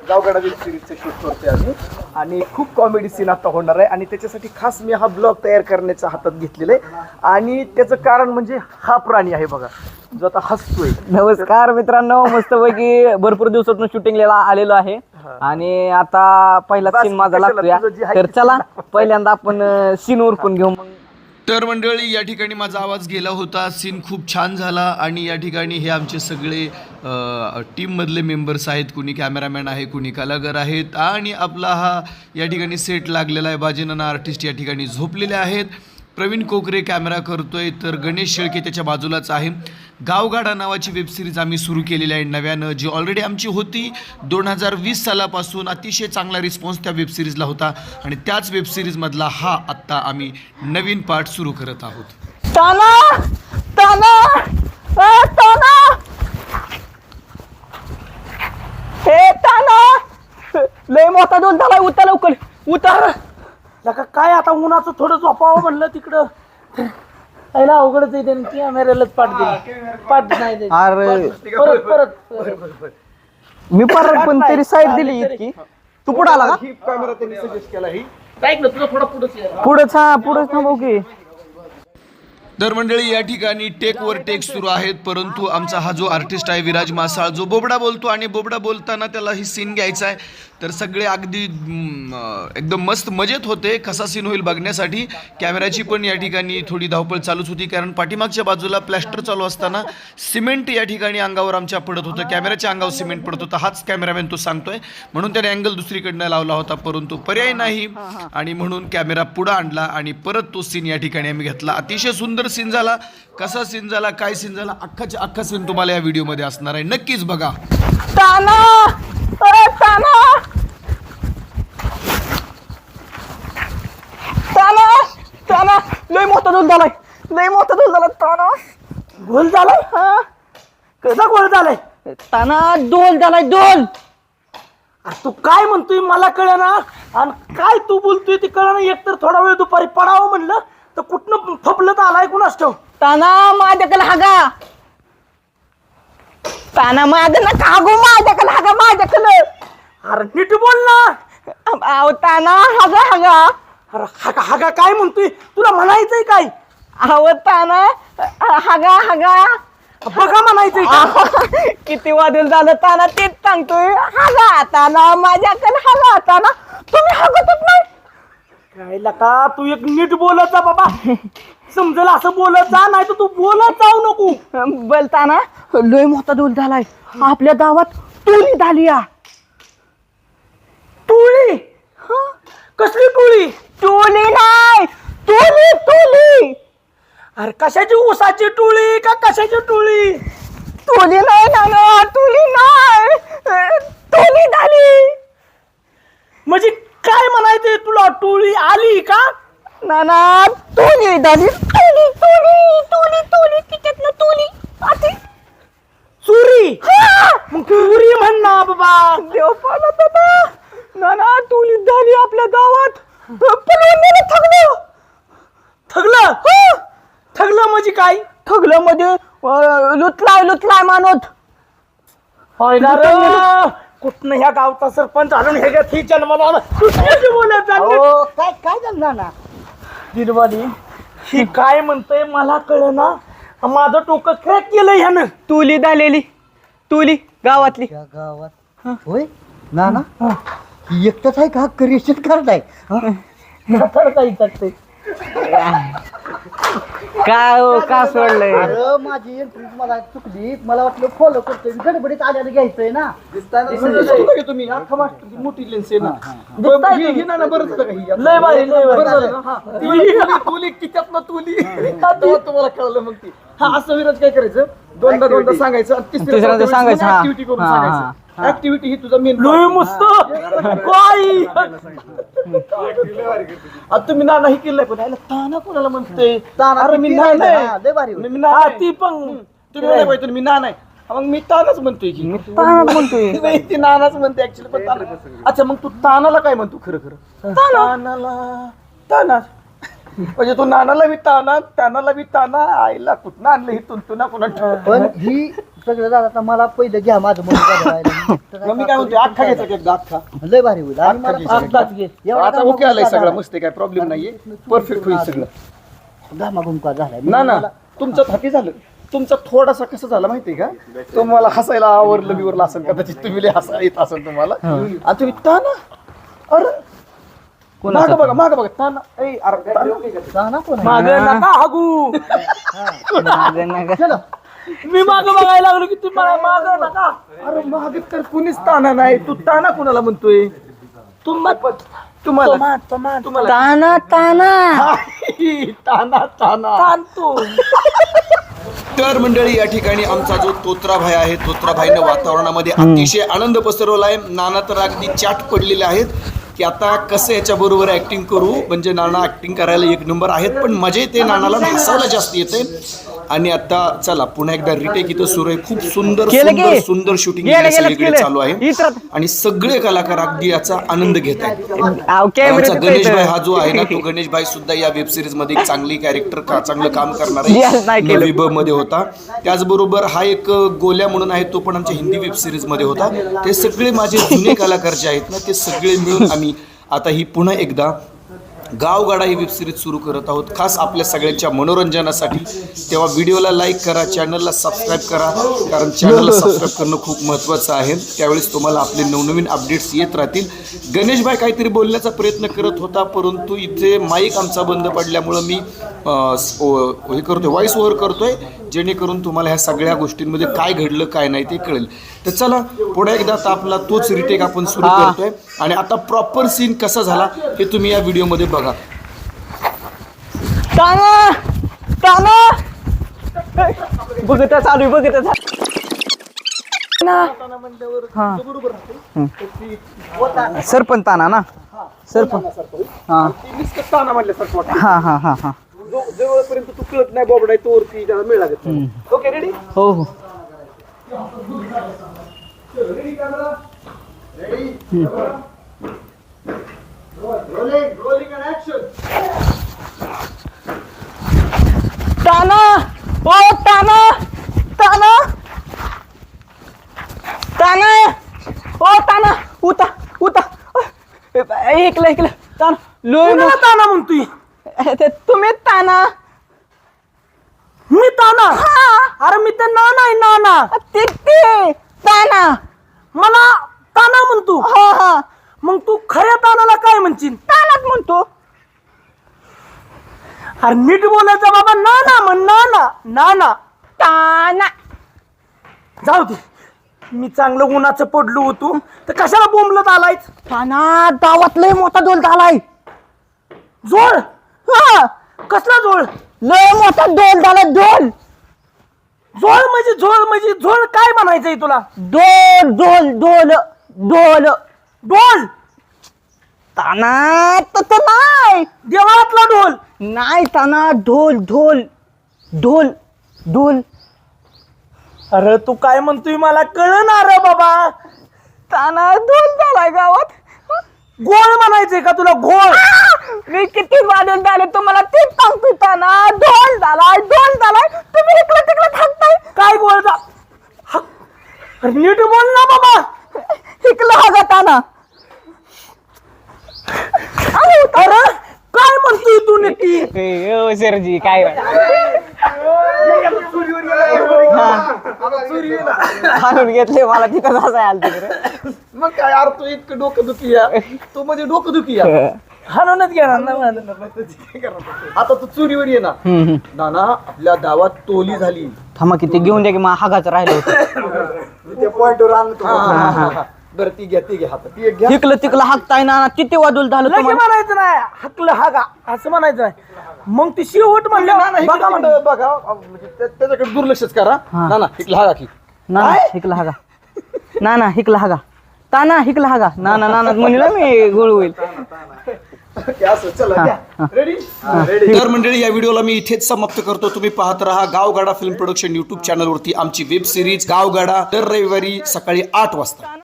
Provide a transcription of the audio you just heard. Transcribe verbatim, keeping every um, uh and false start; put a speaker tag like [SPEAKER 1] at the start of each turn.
[SPEAKER 1] गावगाडा web सिरीजचं shoot करतोय आम्ही आणि खूप कॉमेडी सीन आता होणार आहे आणि त्याच्यासाठी खास मी हा ब्लॉग तयार करण्याच्या हातात घेतलेला आहे आणि त्याचं कारण म्हणजे हा प्राणी आहे बघा जो आता हसतोय.
[SPEAKER 2] नमस्कार मित्रांनो, मस्तपैकी भरपूर दिवसातून शूटिंगला आलेलो आहे आणि आता पहिला सीन माझा लागतोय. तर चला पहिल्यांदा आपण सीन उरकून घेऊ. मग
[SPEAKER 3] तर मंडळी, या ठिकाणी माझा आवाज गेला होता. सीन खूप छान झाला आणि या ठिकाणी हे आमचे सगळे टीममधले मेंबर्स आहेत. कुणी कॅमेरामॅन आहे, कुणी कलाकार आहेत आणि आपला हा या ठिकाणी सेट लागलेला आहे. बाजीनाना आर्टिस्ट या ठिकाणी झोपलेले आहेत. प्रवीण कोकरे कॅमेरा करतोय, तर गणेश शेळके त्याच्या बाजूलाच आहे. गावगाडा नावाची वेबसिरीज आम्ही सुरू केलेली आहे नव्यानं, जी ऑलरेडी आमची होती. दोन हजार वीस सालापासून अतिशय चांगला रिस्पॉन्स त्या वेबसिरीजला होता आणि त्याच वेबसिरीजमधला हा आत्ता आम्ही नवीन पार्ट सुरू करत आहोत.
[SPEAKER 2] ताना ताना ए ताना हे ताना लय मोठा दोन झाला. उतर लवकर उतर.
[SPEAKER 4] लका काय आता उन्हाचं थोडं झोपावं म्हणलं तिकडं. पहिला अवघडच आहे त्यांनी कॅमेऱ्यालाच पाठ दिली. पाठ नाही दिली.
[SPEAKER 2] अरे
[SPEAKER 4] परत परत
[SPEAKER 2] मी परत पण तरी साईड दिली इतकी. तू पुढे आला का?
[SPEAKER 1] ही कॅमेरा त्यांनी सजेस्ट केला ही
[SPEAKER 4] ऐक ना तुझं थोडं पुढंच ये.
[SPEAKER 2] पुढेच हा पुढेच थांबव की.
[SPEAKER 3] तर मंडळी, या ठिकाणी टेक वर टेक सुरू आहेत, परंतु आमचा हा जो आर्टिस्ट आहे विराज मासाळ, जो बोबडा बोलतो आणि बोबडा बोलताना त्याला ही सीन घ्यायचा आहे. तर सगळे अगदी एकदम मस्त मजेत होते कसा सीन होईल बघण्यासाठी. कॅमेऱ्याची पण या ठिकाणी थोडी धावपळ चालूच होती, कारण पाठीमागच्या बाजूला प्लॅस्टर चालू असताना सिमेंट या ठिकाणी अंगावर आमच्या पडत होतं. कॅमेऱ्याच्या अंगावर सिमेंट पडत होतं. हाच कॅमेरामॅन तो सांगतोय, म्हणून त्याने अँगल दुसरीकडनं लावला होता, परंतु पर्याय नाही आणि म्हणून कॅमेरा पुढं आणला आणि परत तो सीन या ठिकाणी आम्ही घेतला. अतिशय सुंदर सीन झाला. कसा सीन झाला, काय सीन झाला, अख्खाच्या अख्खा सीन तुम्हाला या व्हिडिओमध्ये असणार आहे. नक्कीच बघा.
[SPEAKER 2] ताना अरे ताना ताना ताना लय मोठा दोन झालाय. लय मोठा दोन झाला ताना.
[SPEAKER 4] गोल झालाय.
[SPEAKER 2] हा
[SPEAKER 4] कसा गोल झालाय?
[SPEAKER 2] ताना दोन झालाय दोन.
[SPEAKER 4] अरे तू काय म्हणतोय मला कळेना आणि काय तू बोलतोय ते कळेना. एकतर थोडा वेळ दुपारी पडावं म्हणलं तर कुठनं फपलं तर आलाय कुणास ठाऊक.
[SPEAKER 2] ताना माझ्याकडे हागा. ताना माझं ना कागो माझ्याकडे हागा माझ्याकडे.
[SPEAKER 4] अरे नीट बोल ना.
[SPEAKER 2] अहो ताना हागा हागा.
[SPEAKER 4] अरे हागा हागा काय म्हणतोय, तुला म्हणायचंय काय?
[SPEAKER 2] अहो ताना हागा हागा.
[SPEAKER 4] बघा म्हणायचंय का?
[SPEAKER 2] किती वादळ झालं ताना, तेच सांगतोय. हागा ताना माझ्याकडे हागा. ताना तुम्ही हागतच नाही.
[SPEAKER 4] काय लका तू एक नीट बोलत जा बाबा. समजेल असं बोलत जा, नाही तर तू बोलत जाऊ नको.
[SPEAKER 2] बोलताना लय मोठा डोल झालाय. आपल्या गावात टोळी झाली.
[SPEAKER 4] टोळी? कसली टोळी?
[SPEAKER 2] टोळी नाही, टोळी टोळी.
[SPEAKER 4] अरे कशाची, ऊसाची टोळी का कशाची टोळी?
[SPEAKER 2] टोळी नाही ना, टोळी नाही, टोळी झाली.
[SPEAKER 4] म्हणजे काय म्हणायचंय तुला? टोळी आली का?
[SPEAKER 2] ना ना टोळी झाली. टोळी टोळी टोळी टोळी तिच्यातनं टोळी आती.
[SPEAKER 4] चोरी? मग चोरी म्हण ना बाबा.
[SPEAKER 2] देव पालत होता. ना ना टोळी झाली आपल्या गावात. पळून गेलं. ठगलं
[SPEAKER 4] ठगलं? ठगलं म्हणजे काय?
[SPEAKER 2] ठगलं म्हणजे लुटलाय लुटलाय मानवत.
[SPEAKER 4] कुठनं ह्या गावचा सरपंच आणून हे ही जन्माला आला. तू कशी बोलत जा?
[SPEAKER 2] काय काय झालं ना
[SPEAKER 4] दिलवाली ही काय म्हणतोय मला कळना. माझं डोकं क्रॅक केलं ह्यानं.
[SPEAKER 2] टोळी झालेली. टोळी गावातली.
[SPEAKER 5] गावात होय ना ना एकटाच आहे का? करेक्शन कार्ड आहे?
[SPEAKER 2] काय हो का सोडलंय?
[SPEAKER 5] अरे माझी एंट्री मला चुकली. मला वाटलं फॉलो करतोय, गडबडीत आल्याला घ्यायचंय ना.
[SPEAKER 1] तुम्ही अख्खा मास्टर मोठी लेन्स आहे ना.
[SPEAKER 4] दिसताय
[SPEAKER 1] ही- ही ना ना बरंच बघा ही.
[SPEAKER 4] लय भारी लय
[SPEAKER 1] बरं
[SPEAKER 4] भारी.
[SPEAKER 1] झालं ना? हा. ती तुली- तुली किच्यातनं तुली. तेव्हा तुम्हाला कळलं मग ती. हा असं विराज काय करायचं, दोनदा दोनदा सांगायचं आणि
[SPEAKER 2] तिसऱ्यांदा सांगायचं, हा.
[SPEAKER 1] ऍक्टिव्हिटी करून
[SPEAKER 2] हा, हा,
[SPEAKER 1] सांगायचं. ऍक्टिव्हिटी ही तुझा मेन.
[SPEAKER 4] लय मस्त काय.
[SPEAKER 1] आता तुम्ही ना नाही केलंय पण याला ताना कोणाला म्हणते?
[SPEAKER 5] ताना
[SPEAKER 1] अरे मी
[SPEAKER 5] किती
[SPEAKER 1] नाही
[SPEAKER 5] आहे
[SPEAKER 1] नाही.
[SPEAKER 5] ना, लय भारी
[SPEAKER 1] मी
[SPEAKER 4] हा
[SPEAKER 1] नाही.
[SPEAKER 4] ती पण
[SPEAKER 1] तुम्ही नाही पाहिजे मी ना नाही. मग मी तानाच म्हणतोय की.
[SPEAKER 2] तानाच म्हणतोय.
[SPEAKER 1] नाही ती नानाच म्हणते ऍक्च्युली पण ताना. अच्छा मग तू तानाला काय म्हणतो खरं खरं? तानाला ताना म्हणजे तू नानाला बी ताना त्यानाला बी ताना आईला कुठं आणलं ही तुंतुना कुणा
[SPEAKER 5] पण ही सगळं झालं आता मला पहिलं घ्या माझं मन
[SPEAKER 1] मग मी काय म्हणतो अख्खा घ्यायचा केक अख्खा
[SPEAKER 5] लय भारी होईल आणि मला
[SPEAKER 1] अख्खा
[SPEAKER 4] आत्ताच घे.
[SPEAKER 5] एवढा
[SPEAKER 1] आता ओके आलाय सगळं मस्त काय प्रॉब्लेम नाहीये परफेक्ट होईल सगळं
[SPEAKER 5] घामाघुमका झालाय
[SPEAKER 1] ना ना तुमचं थाकी झालं तुमचा थोडासा कसं झाला माहितीये का तुम्हाला हसायला आवरलं बिवरलं असेल कदाचित तुम्ही लय हसा येत असेल तुम्हाला आणि तुम्ही ताना अरे माग बघा माग बघा ताना ए अरे ताना.
[SPEAKER 5] ताना कोण आहे?
[SPEAKER 4] माग नका हागू
[SPEAKER 2] मागं नका.
[SPEAKER 5] चलो
[SPEAKER 4] मी माग बघायला लागलो की तुम्हाला माग नका
[SPEAKER 1] अरे माग तर कुणीच ताना नाही तू ताना कुणाला म्हणतोय
[SPEAKER 4] तुम्हाला
[SPEAKER 1] तुम्हाला तुम्हाला
[SPEAKER 2] ताना ताना
[SPEAKER 1] ताना ताना
[SPEAKER 4] ताण तू
[SPEAKER 3] तर मंडळी या ठिकाणी आमचा जो तोत्राभाई आहे तोत्राभाईनं वातावरणामध्ये अतिशय आनंद पसरवला आहे. नाना तर अगदी चाट पडलेले आहेत की आता कसं याच्या बरोबर ऍक्टिंग करू म्हणजे नाना ऍक्टिंग करायला एक नंबर आहेत पण मजा येते नानाला हसायला जास्त येते. आणि आता चला पुन्हा एकदा रिटेक इथं सुरू आहे. खूप सुंदर
[SPEAKER 2] केलं की?
[SPEAKER 3] सुंदर सुंदर शूटिंग
[SPEAKER 2] गेलं, गेलं,
[SPEAKER 3] सगळीकडे
[SPEAKER 2] केलं.
[SPEAKER 3] चालू आहे
[SPEAKER 2] इतरात.
[SPEAKER 3] आणि सगळे कलाकार अगदी याचा आनंद घेत आहेत.
[SPEAKER 2] अहो, कॅमेरे
[SPEAKER 3] आमचा
[SPEAKER 2] तिथं
[SPEAKER 3] गणेश भाई
[SPEAKER 2] इथं.
[SPEAKER 3] हा जो आहे ना तो गणेश भाई सुद्धा या वेब सिरीज मध्ये एक चांगली कॅरेक्टर का चांगलं काम करणार
[SPEAKER 2] Yes,
[SPEAKER 3] आहे
[SPEAKER 2] नाही केलं.
[SPEAKER 3] नवी ब मध्ये होता. त्याचबरोबर हा एक गोल्या म्हणून आहे तो पण आमच्या हिंदी वेब सिरीज मध्ये होता. ते सगळे माझे जुने कलाकार जे आहेत ना ते सगळे मिळून आम्ही आता ही पुन्हा एकदा गावगाडा ही वेब सिरीज सुरू करत आहोत खास आपल्या सगळ्यांच्या मनोरंजनासाठी. तेव्हा व्हिडिओला लाईक करा चॅनलला सबस्क्राईब करा कारण चॅनलला सबस्क्राईब करणं खूप महत्त्वाचं आहे. त्यावेळेस तुम्हाला आपले नवनवीन अपडेट्स येत राहतील. गणेश भाई काहीतरी बोलण्याचा प्रयत्न करत होता परंतु इथे माईक आमचा बंद पडल्यामुळं मी अं, ओ- हे करतोय व्हॉइस ओव्हर करतोय जेणेकरून तुम्हाला ह्या सगळ्या गोष्टींमध्ये काय घडलं काय नाही ते कळेल. तर चला पुढे एकदा आता आपला तोच रिटेक आपण सुरू
[SPEAKER 2] हा.
[SPEAKER 3] करतोय आणि आता प्रॉपर सीन कसा झाला हे तुम्ही या व्हिडिओमध्ये बघा.
[SPEAKER 2] ताना ताना बघत चालू आहे, बघत चालू हा सरपंच ताना ना सरपंच हा
[SPEAKER 1] ताना म्हणल्यासारखं वाटतं.
[SPEAKER 2] हा हा हा हा
[SPEAKER 1] जो जवळपर्यंत तू कळत नाही बॉबडा आहे तोवरती त्याला मिळ लागत नाही. ओके रेडी
[SPEAKER 2] हो हो ताना ओ ताना ताना ताना ओ ताना उता उता ऐकलं ऐकलं ताना लोय
[SPEAKER 4] कुणाला ताना म्हणतोय
[SPEAKER 2] ते तुम्ही ताना
[SPEAKER 4] मी ताना अरे मी तर नाना आहे नाना
[SPEAKER 2] ते ते ताना
[SPEAKER 4] मला ताना म्हणतो
[SPEAKER 2] हा हा
[SPEAKER 4] मग तू खऱ्या तानाला काय म्हणशील
[SPEAKER 2] तानाच म्हणतो
[SPEAKER 4] अरे नीट बोलायचं बाबा नाना म्हण नाना नाना
[SPEAKER 2] ताना
[SPEAKER 4] जाऊ दे मी चांगलं उन्हाचं पडलो होतो तर कशाला बोंबलत आलाय
[SPEAKER 2] ताना गावात लय मोठा डोल झालाय
[SPEAKER 4] जोळ
[SPEAKER 2] हा
[SPEAKER 4] कसला जोळ
[SPEAKER 2] लय मोठा डोल झाला डोल
[SPEAKER 4] झोळ म्हणजे झोळ म्हणजे झोळ काय म्हणायचंय तुला
[SPEAKER 2] डोल डोल डोल डोल
[SPEAKER 4] ढोल
[SPEAKER 2] ताना तसं नाही
[SPEAKER 4] देवळातला ढोल
[SPEAKER 2] नाही ताना ढोल ढोल ढोल ढोल
[SPEAKER 4] अरे तू काय म्हणतोय मला कळणार रे बाबा
[SPEAKER 2] ताना ढोल झालाय गावात
[SPEAKER 4] गोळ म्हणायचंय का तुला घोळ
[SPEAKER 2] मी किती वादन झाले तुम्हाला तेच सांगतो ताना ढोल झालाय ढोल झालाय तुम्ही इकडं तिकडं थांबताय
[SPEAKER 4] काय गोळ जा हा. अरे नीट बोल ना बाबा
[SPEAKER 2] इकडं हा ताना
[SPEAKER 4] अरे काय म्हणतोय तू नक्की
[SPEAKER 2] सरजी काय हाणून घेतले मला तिथं हसाय आलं तिकडे
[SPEAKER 1] मग काय यार तू इतकं डोकं दुखी या तू म्हणजे डोकं दुखी या
[SPEAKER 4] हाणूनच घेणार ना मला.
[SPEAKER 1] आता तू चोरीवर ये ना नाना आपल्या गावात टोली झाली
[SPEAKER 2] थांबा किती घेऊन द्या की मग हागाचं राहिलं होतं
[SPEAKER 5] त्या पॉइंटवर आणतो
[SPEAKER 1] हा, हा, हा, हा. बरं ती घ्या ती घ्या हातात ती एक घ्या
[SPEAKER 2] तिकलं तिकलं हाकताय ना किती वादूल झालं
[SPEAKER 4] लगे
[SPEAKER 2] तुम्हाला
[SPEAKER 4] म्हणायचं नाही हकलं हागा असं म्हणायचं नाही मग ती शेवट म्हणलं
[SPEAKER 1] ना ना
[SPEAKER 4] बघा म्हणलं.
[SPEAKER 1] इकडं बघा अं, म्हणजे त्या- त्याच्याकडे दुर्लक्षच करा
[SPEAKER 2] हा.
[SPEAKER 1] ना ना इकडला हा की
[SPEAKER 2] ना हिकला हागा ना ना हिकला हागा ताना हिकला हागा ना ना ना म्हणलं ना मी गोळ होईल
[SPEAKER 1] असं चला घ्या रेडी रेडी
[SPEAKER 3] तर मंडळी या व्हिडिओला मी इथेच समाप्त करतो. तुम्ही पाहत राहा गावगाडा फिल्म प्रोडक्शन युट्यूब चॅनलवरती आमची वेब सिरीज गावगाडा दर रविवारी सकाळी आठ वाजता.